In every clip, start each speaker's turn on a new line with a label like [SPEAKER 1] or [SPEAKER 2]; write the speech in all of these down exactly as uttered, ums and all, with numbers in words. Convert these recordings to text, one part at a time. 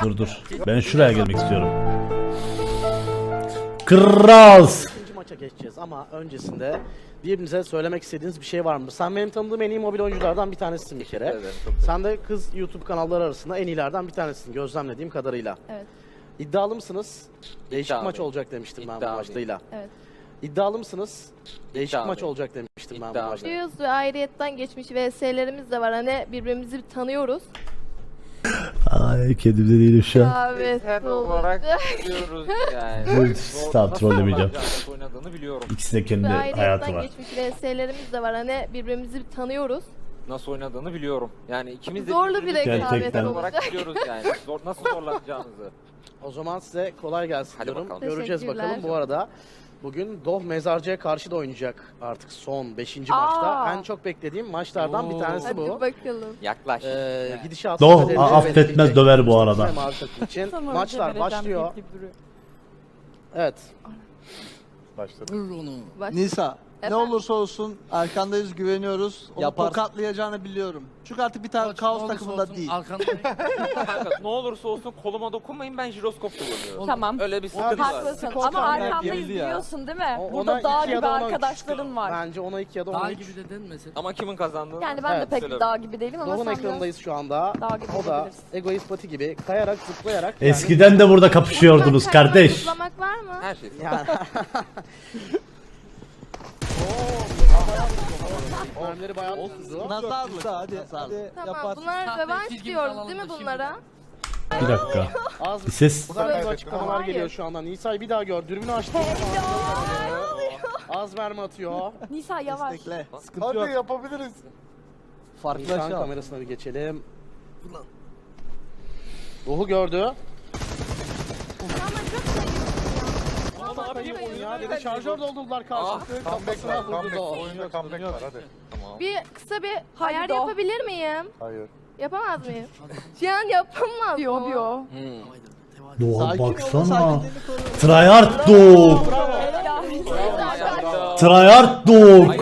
[SPEAKER 1] Dur dur. Ben şuraya gelmek istiyorum. Kral.
[SPEAKER 2] İkinci maça geçeceğiz ama öncesinde birbirinize söylemek istediğiniz bir şey var mı? Sen benim tanıdığım en iyi mobil oyunculardan bir tanesisin bir kere.
[SPEAKER 3] ederim, çok
[SPEAKER 2] Sen de kız YouTube kanalları arasında en iyilerden bir tanesisin gözlemlediğim kadarıyla.
[SPEAKER 4] Evet.
[SPEAKER 2] İddialı mısınız? Değişik
[SPEAKER 3] İddialıyım.
[SPEAKER 2] maç olacak demiştim ben bu
[SPEAKER 3] İddialıyım.
[SPEAKER 2] maçtayla.
[SPEAKER 4] Evet.
[SPEAKER 2] İddialı mısınız? Değişik
[SPEAKER 3] İddialıyım.
[SPEAKER 2] maç olacak demiştim ben bu
[SPEAKER 3] İddialıyım.
[SPEAKER 2] maçta.
[SPEAKER 4] Biliyoruz ve ayrıyetten geçmiş V S'lerimiz de var. Hani birbirimizi bir tanıyoruz.
[SPEAKER 1] Ay kendimde değilim şu an.
[SPEAKER 4] Evet.
[SPEAKER 3] Her
[SPEAKER 4] oldu.
[SPEAKER 3] olarak biliyoruz yani.
[SPEAKER 1] Bu- tamam,
[SPEAKER 3] Nasıl
[SPEAKER 1] trollemeyeceğim.
[SPEAKER 3] oynayacağını, oynadığını biliyorum.
[SPEAKER 1] İkisi de kendi
[SPEAKER 4] Ve
[SPEAKER 1] hayatı
[SPEAKER 4] ayrıyetten
[SPEAKER 1] var.
[SPEAKER 4] geçmiş V S'lerimiz de var. Hani birbirimizi bir tanıyoruz.
[SPEAKER 3] Nasıl oynadığını biliyorum. Yani ikimiz de
[SPEAKER 4] Zorlu bir
[SPEAKER 3] birbirimizi
[SPEAKER 4] rekabet
[SPEAKER 1] Gerçekten.
[SPEAKER 3] olarak
[SPEAKER 4] olacak.
[SPEAKER 3] biliyoruz yani. Zor, nasıl zorlanacağımızı.
[SPEAKER 2] O zaman size kolay gelsin
[SPEAKER 3] Hadi
[SPEAKER 2] diyorum.
[SPEAKER 3] bakalım.
[SPEAKER 2] Göreceğiz
[SPEAKER 4] Teşekkürler.
[SPEAKER 2] bakalım. Bu arada bugün Doh Mezarcı'ya karşı da oynayacak artık son beşinci
[SPEAKER 4] Aa.
[SPEAKER 2] maçta. En çok beklediğim maçlardan bir tanesi
[SPEAKER 4] Hadi
[SPEAKER 2] bu.
[SPEAKER 4] bakalım.
[SPEAKER 3] Yaklaş.
[SPEAKER 2] Ee, gidişatı
[SPEAKER 1] Doh
[SPEAKER 2] kaderini
[SPEAKER 1] affetmez,
[SPEAKER 2] belirleyecek.
[SPEAKER 1] döver bu arada.
[SPEAKER 2] Hem arka için. Maçlar başlıyor. Evet.
[SPEAKER 5] Başladı.
[SPEAKER 4] Baş-
[SPEAKER 6] Nisa, ne
[SPEAKER 4] Efendim?
[SPEAKER 6] olursa olsun arkandayız, güveniyoruz. Onu
[SPEAKER 7] Yaparsın.
[SPEAKER 6] tokatlayacağını biliyorum. Çünkü artık bir tane kaos takımında değil.
[SPEAKER 3] Kanka, ne olursa olsun koluma dokunmayın, ben jiroskop kullanıyorum.
[SPEAKER 8] Tamam.
[SPEAKER 3] Öyle bir sıkıntı var.
[SPEAKER 8] Haklısın
[SPEAKER 2] Skor
[SPEAKER 8] ama
[SPEAKER 2] tahmini
[SPEAKER 8] arkandayız
[SPEAKER 7] belli ya.
[SPEAKER 8] biliyorsun değil mi?
[SPEAKER 2] O- ona
[SPEAKER 8] Burada dağ
[SPEAKER 2] iki ya
[SPEAKER 8] gibi
[SPEAKER 2] da ona üç.
[SPEAKER 8] arkadaşların var.
[SPEAKER 2] Bence ona iki ya da ona
[SPEAKER 9] Dağ
[SPEAKER 2] üç.
[SPEAKER 9] gibi dedin mesela.
[SPEAKER 3] Ama kimin kazandığını...
[SPEAKER 8] Yani ben
[SPEAKER 2] Evet,
[SPEAKER 8] de pek
[SPEAKER 3] söyle.
[SPEAKER 8] dağ gibi değilim ama
[SPEAKER 2] Doh'un
[SPEAKER 8] sen
[SPEAKER 2] ekranındayız şu anda.
[SPEAKER 8] Dağ gibi
[SPEAKER 2] O da
[SPEAKER 8] olabilirsin.
[SPEAKER 2] egoist pati gibi kayarak zıplayarak. yani-
[SPEAKER 1] Eskiden de burada kapışıyordunuz
[SPEAKER 4] Kaymak,
[SPEAKER 1] kardeş.
[SPEAKER 4] zıplamak var mı?
[SPEAKER 3] Her şey.
[SPEAKER 2] Yani. Mermileri bayağı tuttu.
[SPEAKER 6] Nazarlık.
[SPEAKER 7] Hadi,
[SPEAKER 6] Nazarlık.
[SPEAKER 7] hadi
[SPEAKER 4] Tamam
[SPEAKER 7] yaparsın.
[SPEAKER 4] bunlar
[SPEAKER 9] Sahte
[SPEAKER 4] revanş
[SPEAKER 9] çizgimizi
[SPEAKER 4] diyoruz
[SPEAKER 9] alalım
[SPEAKER 4] değil mi
[SPEAKER 9] da şimdi.
[SPEAKER 4] bunlara?
[SPEAKER 1] Bir dakika.
[SPEAKER 2] Az
[SPEAKER 1] Bir ses.
[SPEAKER 2] güzel açıklamalar
[SPEAKER 4] Hayır.
[SPEAKER 2] geliyor şu anda. Nisa'yı bir daha gör. Dürbünü açtı. Az mermi atıyor.
[SPEAKER 8] Nisa yavaş.
[SPEAKER 6] Destekle.
[SPEAKER 7] Sıkıntı
[SPEAKER 5] Hadi
[SPEAKER 7] yok.
[SPEAKER 5] yapabiliriz.
[SPEAKER 7] Farklı
[SPEAKER 2] Nisan
[SPEAKER 7] aşağı.
[SPEAKER 2] kamerasına bir geçelim. Ruhu gördü. Ya dedi şarjör doldurdular karşılıklı.
[SPEAKER 5] Comeback var.
[SPEAKER 2] Kafasına vurdu
[SPEAKER 5] Comeback.
[SPEAKER 2] da.
[SPEAKER 5] Oyunda comeback var hadi.
[SPEAKER 3] Tamam.
[SPEAKER 4] Bir kısa bir
[SPEAKER 8] Hadi
[SPEAKER 4] ayar
[SPEAKER 8] Doh.
[SPEAKER 4] yapabilir miyim?
[SPEAKER 5] Hayır.
[SPEAKER 4] Yapamaz mıyım? Şu an yapamaz
[SPEAKER 8] Diyor
[SPEAKER 4] mı?
[SPEAKER 8] diyor.
[SPEAKER 1] Doğa
[SPEAKER 6] Sakin ol,
[SPEAKER 1] baksana.
[SPEAKER 6] sakinliğini koru.
[SPEAKER 1] Tryhard dog. Tryhard dog.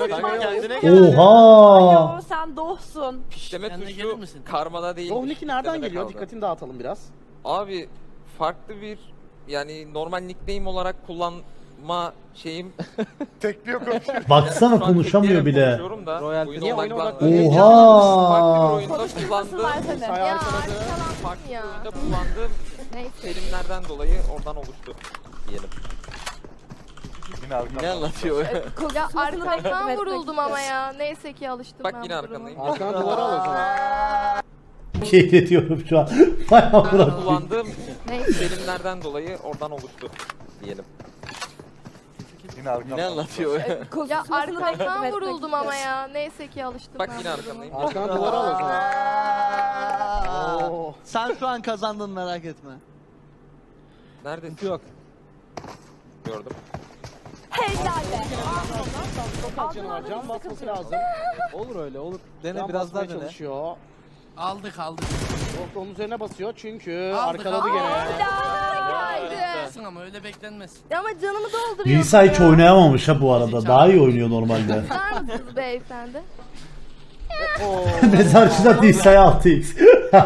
[SPEAKER 1] Oha.
[SPEAKER 8] Yo, sen dohsun.
[SPEAKER 3] Demek
[SPEAKER 9] Kendine
[SPEAKER 3] ki
[SPEAKER 9] gelir
[SPEAKER 3] şu
[SPEAKER 9] misin?
[SPEAKER 3] karmada değil.
[SPEAKER 2] Dohniki nereden geliyor? Dikkatini dağıtalım biraz.
[SPEAKER 3] Abi farklı bir yani normal nickname olarak kullanma şeyim.
[SPEAKER 5] Tekliyor konuşuyor.
[SPEAKER 1] Baksana
[SPEAKER 3] Şu an
[SPEAKER 1] konuşamıyor
[SPEAKER 3] Türkiye'ye
[SPEAKER 1] bile.
[SPEAKER 3] konuşuyorum da,
[SPEAKER 7] Royal
[SPEAKER 3] oyun
[SPEAKER 2] Niye
[SPEAKER 3] online
[SPEAKER 2] oyuna
[SPEAKER 3] kullan-
[SPEAKER 2] odaklanıyorsun?
[SPEAKER 1] Oha.
[SPEAKER 3] Farklı bir oyunda
[SPEAKER 8] Konuşmasınlar
[SPEAKER 3] kullandığım,
[SPEAKER 8] seni.
[SPEAKER 2] Nisa'yı
[SPEAKER 4] Ya
[SPEAKER 2] arkaladı.
[SPEAKER 3] farklı
[SPEAKER 4] arkalandım
[SPEAKER 3] bir
[SPEAKER 4] ya.
[SPEAKER 3] oyunda kullandığım
[SPEAKER 4] Neyse.
[SPEAKER 3] terimlerden dolayı oradan oluştu diyelim.
[SPEAKER 5] Yine arkamdan.
[SPEAKER 7] Ne anlatıyor?
[SPEAKER 4] Ya
[SPEAKER 8] Konuşmasını
[SPEAKER 4] arkamdan
[SPEAKER 8] beklemek
[SPEAKER 4] vuruldum ama ya. Neyse ki alıştım
[SPEAKER 3] Bak
[SPEAKER 4] ben
[SPEAKER 3] yine
[SPEAKER 4] bu duruma.
[SPEAKER 3] arkandayım.
[SPEAKER 2] Arkana duvara al o zaman.
[SPEAKER 1] Keyletiyorum şu an. Vay amına koyayım.
[SPEAKER 3] Kullandığım
[SPEAKER 4] Neyse.
[SPEAKER 3] terimlerden dolayı oradan oluştu diyelim.
[SPEAKER 5] Yine arkamdan.
[SPEAKER 7] Ne anlatıyor?
[SPEAKER 4] Ya
[SPEAKER 8] Konuşmasını
[SPEAKER 4] arkamdan
[SPEAKER 8] beklemek
[SPEAKER 4] vuruldum ama ya. Neyse ki alıştım
[SPEAKER 3] Bak
[SPEAKER 4] ben
[SPEAKER 3] yine
[SPEAKER 4] bu duruma.
[SPEAKER 3] arkandayım.
[SPEAKER 2] Arkana duvara al o zaman.
[SPEAKER 6] Aa,
[SPEAKER 2] Oo.
[SPEAKER 6] Sen şu an kazandın, merak etme.
[SPEAKER 3] Neredesin?
[SPEAKER 7] Yok.
[SPEAKER 3] Gördüm.
[SPEAKER 8] Helal be.
[SPEAKER 2] Çok canı var. Can basması lazım.
[SPEAKER 7] Olur öyle olur. Dene
[SPEAKER 2] Can
[SPEAKER 7] biraz daha
[SPEAKER 2] basmaya
[SPEAKER 7] dene.
[SPEAKER 2] çalışıyor.
[SPEAKER 9] Aldık aldık.
[SPEAKER 2] Yok onun üzerine basıyor çünkü
[SPEAKER 9] Aldık,
[SPEAKER 2] arkaladı
[SPEAKER 9] aldık.
[SPEAKER 2] gene.
[SPEAKER 4] Haydi.
[SPEAKER 9] Beklenmesin ama öyle beklenmez.
[SPEAKER 4] Ya ama canımı dolduruyor.
[SPEAKER 1] Nisa hiç
[SPEAKER 4] ya.
[SPEAKER 1] oynayamamış ha bu arada. Daha iyi oynuyor normalde.
[SPEAKER 4] Var mısınız beyefendi?
[SPEAKER 2] Oo.
[SPEAKER 1] Mezarcıda Nisa'ya altı x.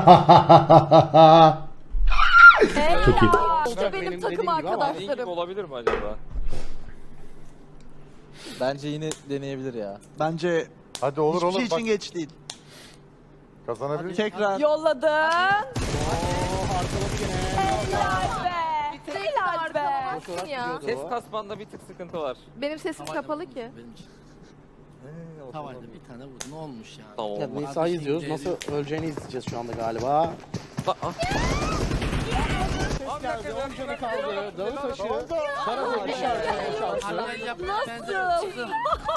[SPEAKER 1] Çok iyi.
[SPEAKER 8] İşte
[SPEAKER 2] Benim
[SPEAKER 8] benim
[SPEAKER 2] dediğim
[SPEAKER 8] takım
[SPEAKER 2] gibi ama-
[SPEAKER 3] Dediğin gibi
[SPEAKER 8] arkadaşlarım.
[SPEAKER 3] olabilir mi acaba?
[SPEAKER 7] Bence yine deneyebilir ya.
[SPEAKER 6] Bence
[SPEAKER 5] Hadi olur
[SPEAKER 6] hiçbir
[SPEAKER 5] olur
[SPEAKER 6] şey
[SPEAKER 5] bak
[SPEAKER 6] için geç değil.
[SPEAKER 5] kazanabilir.
[SPEAKER 6] Tekrar.
[SPEAKER 8] Yolladın.
[SPEAKER 2] Arkaladı gene.
[SPEAKER 8] Helal be. Helal be.
[SPEAKER 4] Arkalamazsın ya.
[SPEAKER 3] Ses kasmanda bir tık sıkıntı var.
[SPEAKER 4] Benim sesim
[SPEAKER 9] Tavayla
[SPEAKER 4] kapalı
[SPEAKER 9] vurdum
[SPEAKER 4] ki.
[SPEAKER 9] benim için.
[SPEAKER 3] He, o
[SPEAKER 9] Tavayla
[SPEAKER 3] zaman-
[SPEAKER 9] bir tane vurdu. Ne olmuş yani?
[SPEAKER 3] Tamam.
[SPEAKER 2] Ya Nisa'yı izliyoruz. Nasıl öleceğini izleyeceğiz şu anda galiba.
[SPEAKER 3] Aa, ah.
[SPEAKER 2] Ses geldi. on canı kaldı. Dağı taşı. Karaca bir şarkı boşalttı.
[SPEAKER 9] Hallel yap.
[SPEAKER 8] Nasıl?
[SPEAKER 9] Çıktım.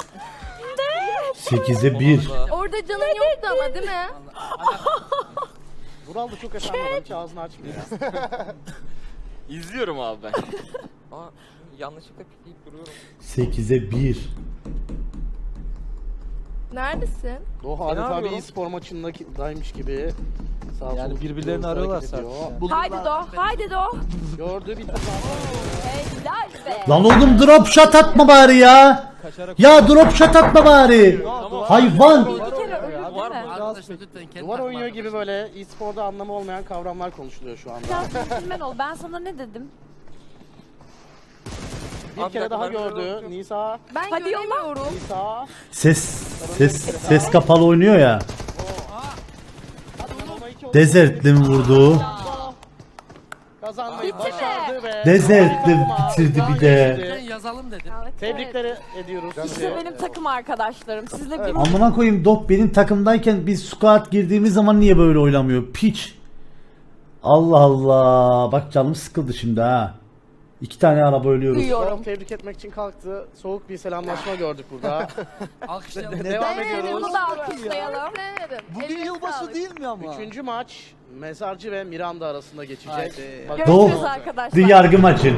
[SPEAKER 1] sekize bir.
[SPEAKER 4] Orada canın yoktu ama değil mi?
[SPEAKER 2] Vural da çok efendi adam. Hiç ağzını açmıyor.
[SPEAKER 3] İzliyorum abi ben. Aa, yanlışlıkla pikleyip duruyorum.
[SPEAKER 1] sekize bir.
[SPEAKER 4] Neredesin?
[SPEAKER 2] Doğa adeta bir
[SPEAKER 3] yapıyorum?
[SPEAKER 2] e-spor maçındaymış gibi. Sağ
[SPEAKER 7] Yani
[SPEAKER 2] sol
[SPEAKER 7] birbirlerini
[SPEAKER 2] hızlı
[SPEAKER 7] arıyorlar
[SPEAKER 2] hareket
[SPEAKER 7] sadece.
[SPEAKER 2] ediyor.
[SPEAKER 7] yani.
[SPEAKER 8] Haydi do. Haydi do.
[SPEAKER 2] Gördü bir tane.
[SPEAKER 8] Helal be.
[SPEAKER 1] Lan oğlum drop shot atma bari ya.
[SPEAKER 7] Kaçarak
[SPEAKER 1] Ya drop shot atma bari. Hayvan.
[SPEAKER 8] Bir kere ölür.
[SPEAKER 3] Duvar
[SPEAKER 8] mi?
[SPEAKER 3] mı?
[SPEAKER 9] Arkadaşlar lütfen kendi
[SPEAKER 2] Duvar
[SPEAKER 9] takım
[SPEAKER 2] oynuyor gibi
[SPEAKER 9] arkadaşlar.
[SPEAKER 2] böyle e-sporda anlamı olmayan kavramlar konuşuluyor şu anda.
[SPEAKER 8] Biraz centilmen ol. Ben sana ne dedim?
[SPEAKER 2] Bir
[SPEAKER 3] Abi,
[SPEAKER 2] kere daha
[SPEAKER 3] dakika, ben
[SPEAKER 2] gördü.
[SPEAKER 3] görüyorum.
[SPEAKER 2] Nisa,
[SPEAKER 4] Ben
[SPEAKER 8] Hadi yolla.
[SPEAKER 4] göremiyorum.
[SPEAKER 2] Nisa.
[SPEAKER 1] Ses ses ses kapalı oynuyor ya. Desert'li mi vurdu?
[SPEAKER 2] Kazanmayı başardı ve
[SPEAKER 1] Desert'li bitirdi bir de.
[SPEAKER 9] Lütfen yazalım dedim.
[SPEAKER 4] Evet,
[SPEAKER 2] Tebrikleri ediyoruz
[SPEAKER 8] İşte
[SPEAKER 2] sizi.
[SPEAKER 8] benim takım arkadaşlarım. Sizle bir
[SPEAKER 1] Amına koyayım, Dop benim takımdayken biz squad girdiğimiz zaman niye böyle oynamıyor? Piç. Allah Allah. Bak canım sıkıldı şimdi ha. İki tane araba ölüyoruz.
[SPEAKER 8] duyuyorum.
[SPEAKER 2] Çok tebrik etmek için kalktı. Soğuk bir selamlaşma gördük burada.
[SPEAKER 9] Alkışlayalım.
[SPEAKER 2] Devam
[SPEAKER 4] Evet,
[SPEAKER 2] ediyoruz.
[SPEAKER 8] Bunu da alkışlayalım.
[SPEAKER 4] Sevmedim.
[SPEAKER 6] Bugün
[SPEAKER 4] Eline
[SPEAKER 6] yılbaşı
[SPEAKER 4] sağlık.
[SPEAKER 6] değil mi ama?
[SPEAKER 2] Üçüncü maç Mezarcı ve Miranda arasında geçecek.
[SPEAKER 6] Haydi.
[SPEAKER 2] Bakalım
[SPEAKER 1] Doğu.
[SPEAKER 2] ne
[SPEAKER 8] Görüşürüz
[SPEAKER 2] olacak.
[SPEAKER 8] arkadaşlar.
[SPEAKER 1] The yargı maçı.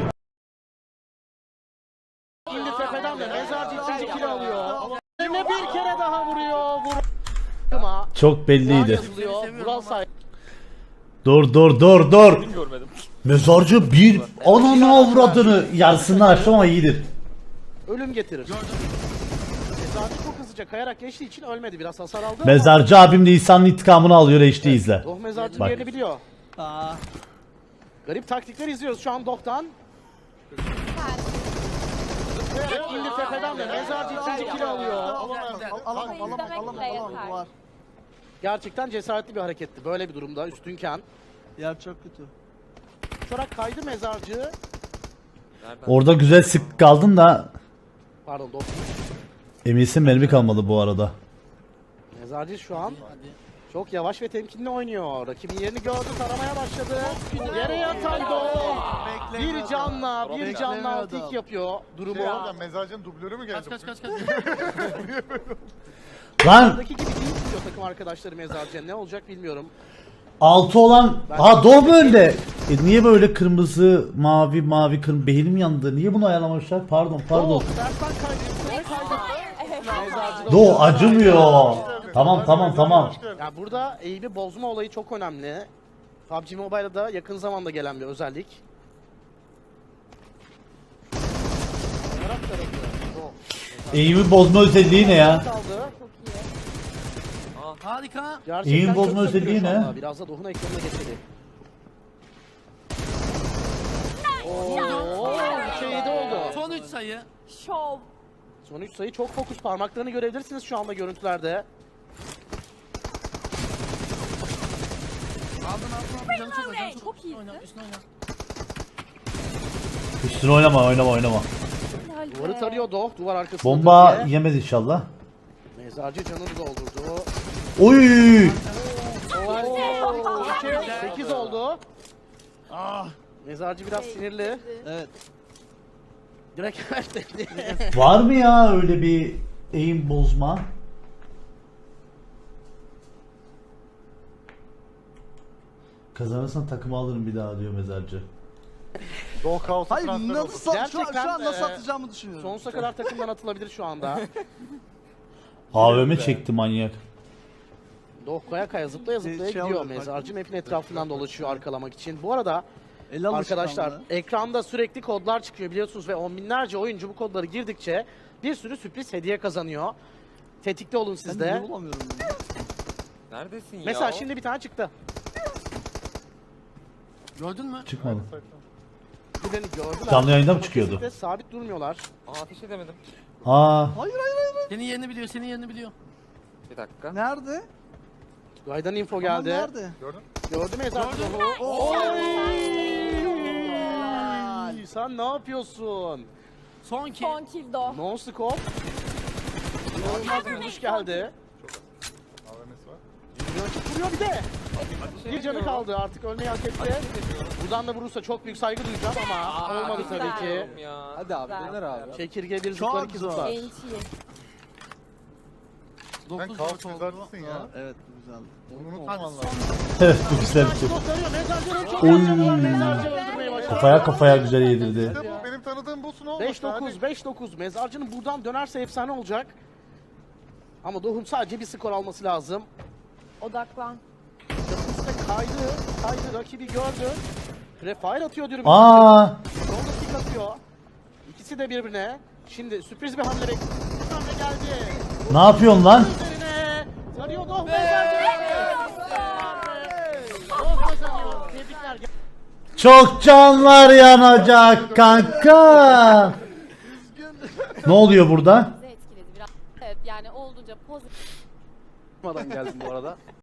[SPEAKER 2] İndi tepeden de Mezarcı ikinci kill alıyor. Yine bir kere daha vuruyor. Vur. Ama
[SPEAKER 1] Çok belliydi.
[SPEAKER 2] yazılıyor. Vural say.
[SPEAKER 1] Dur dur dur dur.
[SPEAKER 3] Görmedim.
[SPEAKER 1] Mezarcı bir ananı avradını yarısını açtı ama iyidir.
[SPEAKER 2] Ölüm getirir. Mezarcı çok hızlıca kayarak geçtiği için ölmedi. Biraz hasar aldı ama.
[SPEAKER 1] Mezarcı abim de İsa'nın intikamını alıyor, H D izle.
[SPEAKER 2] Doh Mezarcı'nın
[SPEAKER 1] Bak.
[SPEAKER 2] yerini biliyor.
[SPEAKER 6] Aa,
[SPEAKER 2] Garip taktikler izliyoruz şu an Doh'tan. Evet, indi tepeden de Mezarcı ikinci kill alıyor.
[SPEAKER 6] alamam, alamam,
[SPEAKER 8] Ama
[SPEAKER 6] alamam,
[SPEAKER 8] izlemek
[SPEAKER 6] alamam,
[SPEAKER 8] bile
[SPEAKER 6] alamam.
[SPEAKER 8] yeter.
[SPEAKER 6] Var.
[SPEAKER 2] Gerçekten cesaretli bir hareketti. Böyle bir durumda üstünken.
[SPEAKER 6] Yer çok kötü.
[SPEAKER 2] Uçarak kaydı Mezarcı.
[SPEAKER 3] Nereden?
[SPEAKER 1] Orada güzel sık kaldın da
[SPEAKER 2] Pardon Doh.
[SPEAKER 1] eminsin mermi kalmadı bu arada.
[SPEAKER 2] Mezarcı şu an çok yavaş ve temkinli oynuyor. Rakibin yerini gördü, taramaya başladı. Yere yatan Doh. Bir canla, bir canla
[SPEAKER 6] Beklemiyordum.
[SPEAKER 2] tik yapıyor durumu.
[SPEAKER 5] Şey abi, mezarcının dublörü mü geldi?
[SPEAKER 9] Kaç kaç kaç kaç.
[SPEAKER 1] Lan
[SPEAKER 2] Buradaki gibi değil diyor takım arkadaşları Mezarcı'ya. Ne olacak bilmiyorum.
[SPEAKER 1] altı olan ha Doğu mu önde? E niye böyle kırmızı mavi mavi kırmızı beynim yandı? Niye bunu ayarlamamışlar? Pardon pardon.
[SPEAKER 2] Doh, dersten kaydı. Ne kaydı? Mezarcı da-
[SPEAKER 1] Doğu acımıyor. Tamam tamam tamam.
[SPEAKER 2] Ya burada eğimi bozma olayı çok önemli. P U B G Mobile'da da yakın zamanda gelen bir özellik. Taraf tarafı. Doh.
[SPEAKER 1] Eğimi bozma özelliği ne ya?
[SPEAKER 2] Kaldı.
[SPEAKER 9] Harika.
[SPEAKER 2] Gerçekten
[SPEAKER 1] Eğim bozma
[SPEAKER 2] çok
[SPEAKER 1] özelliği
[SPEAKER 2] sökülüyor şu
[SPEAKER 1] ne?
[SPEAKER 2] anda. Biraz da Doh'un ekranına geçelim. Ooo, üçe yedi oldu.
[SPEAKER 9] Son üç sayı.
[SPEAKER 8] Şov.
[SPEAKER 2] Son üç sayı çok fokus. Parmaklarını görebilirsiniz şu anda görüntülerde.
[SPEAKER 9] Aldın aldın aldın. Canı çok acı. Canı
[SPEAKER 8] Çok iyisin.
[SPEAKER 9] Oyna üstüne oyna.
[SPEAKER 1] Üstüne oynama oynama oynama.
[SPEAKER 8] Helal
[SPEAKER 2] Duvarı
[SPEAKER 8] be.
[SPEAKER 2] tarıyor Doh. Duvar arkasında.
[SPEAKER 1] Bomba
[SPEAKER 2] diye.
[SPEAKER 1] yemez inşallah.
[SPEAKER 2] Mezarcı canını doldurdu.
[SPEAKER 1] Oy!
[SPEAKER 2] Oo, sekiz oldu.
[SPEAKER 6] Ah,
[SPEAKER 2] Mezarcı biraz sinirli.
[SPEAKER 6] evet.
[SPEAKER 2] Direkt ver dedi.
[SPEAKER 1] Var mı ya öyle bir eğim bozma? Kazanırsan takımı alırım bir daha diyor Mezarcı.
[SPEAKER 5] Doğu kaosu
[SPEAKER 6] Hayır
[SPEAKER 5] transfer oldu.
[SPEAKER 6] nasıl, şu an, şu
[SPEAKER 2] Gerçekten,
[SPEAKER 6] an nasıl
[SPEAKER 2] e,
[SPEAKER 6] atacağımı düşünüyorum.
[SPEAKER 2] Sonsuza kadar takımdan atılabilir şu anda.
[SPEAKER 1] A V M çekti manyak.
[SPEAKER 2] Doh kaya kaya zıplaya zıplaya
[SPEAKER 6] Şey
[SPEAKER 2] gidiyor.
[SPEAKER 6] oluyor,
[SPEAKER 2] Mezarcı map'in etrafından dolaşıyor arkalamak için. Bu arada
[SPEAKER 6] El alışkanlığı.
[SPEAKER 2] arkadaşlar ekranda sürekli kodlar çıkıyor biliyorsunuz ve on binlerce oyuncu bu kodları girdikçe bir sürü sürpriz hediye kazanıyor. Tetikte olun
[SPEAKER 6] Ben
[SPEAKER 2] siz
[SPEAKER 6] niye
[SPEAKER 2] de.
[SPEAKER 6] bulamıyorum bunu?
[SPEAKER 3] Neredesin ya?
[SPEAKER 2] Mesela şimdi bir tane çıktı.
[SPEAKER 9] Gördün mü?
[SPEAKER 1] Çıkmadı.
[SPEAKER 2] Birini gördüler.
[SPEAKER 1] Canlı yayında mı
[SPEAKER 2] Ama
[SPEAKER 1] çıkıyordu?
[SPEAKER 2] kesinlikle sabit durmuyorlar.
[SPEAKER 3] Aa, ateş edemedim.
[SPEAKER 1] Aa,
[SPEAKER 6] Hayır hayır hayır.
[SPEAKER 9] Senin yerini biliyor, senin yerini biliyor.
[SPEAKER 3] Bir dakika.
[SPEAKER 6] Nerede?
[SPEAKER 2] Gaydan info
[SPEAKER 6] Tamam,
[SPEAKER 2] geldi.
[SPEAKER 6] nerede?
[SPEAKER 5] Gördün?
[SPEAKER 2] Gördü mü Mezarcı
[SPEAKER 9] Gördüm.
[SPEAKER 2] Doh'u? Oy! Sen ne yapıyorsun?
[SPEAKER 9] Son ki.
[SPEAKER 8] Son kill do.
[SPEAKER 2] No scope. İnanılmaz bir vuruş geldi.
[SPEAKER 5] A V M'si var.
[SPEAKER 2] Rakip vuruyor bir de. Bir canı kaldı artık ölmeyi hak etti. Buradan da vurursa çok büyük saygı duyacağım ama olmadı tabii ki.
[SPEAKER 3] Ya.
[SPEAKER 7] Hadi abi
[SPEAKER 8] Güzel.
[SPEAKER 7] döner abi.
[SPEAKER 2] Çekirge bir
[SPEAKER 6] Çok
[SPEAKER 2] zıplar iki
[SPEAKER 6] zor.
[SPEAKER 2] zıplar.
[SPEAKER 8] Enti.
[SPEAKER 5] Sen
[SPEAKER 9] dokuz
[SPEAKER 5] kaos
[SPEAKER 9] dört oldu.
[SPEAKER 5] mezarcısın ya.
[SPEAKER 6] Aa, evet bu güzeldi.
[SPEAKER 5] Bunu
[SPEAKER 9] Hadi
[SPEAKER 5] unutmaman
[SPEAKER 9] son.
[SPEAKER 5] lazım.
[SPEAKER 1] evet bu güzel bir şey.
[SPEAKER 2] Kurtarıyor. Mezarcı'nın çok
[SPEAKER 1] Oy.
[SPEAKER 2] az canı var. Mezarcı öldürmeyi başardı.
[SPEAKER 1] Kafaya kafaya güzel yedirdi.
[SPEAKER 5] İşte bu benim tanıdığım busun olmuş.
[SPEAKER 2] beş dokuz beş dokuz. Mezarcı'nın buradan dönerse efsane olacak. Ama Doh'un sadece bir skor alması lazım.
[SPEAKER 8] Odaklan.
[SPEAKER 2] Yapısı kaydı. Kaydı. Rakibi gördü. Prefire atıyor diyorum.
[SPEAKER 1] Aa,
[SPEAKER 2] Son dakika atıyor. İkisi de birbirine. Şimdi sürpriz bir hamle bekliyor. Bir hamle geldi.
[SPEAKER 1] ne yapıyorsun lan?
[SPEAKER 2] Üzerine. Tarıyor gidiyor. Doh mezarcı. Doh kazanıyor. Tebrikler.
[SPEAKER 1] Çok canlar yanacak kanka. Ne oluyor burada?
[SPEAKER 8] Bizi etkiledi biraz. Evet yani olduğunca pozitif.
[SPEAKER 6] geldim bu arada.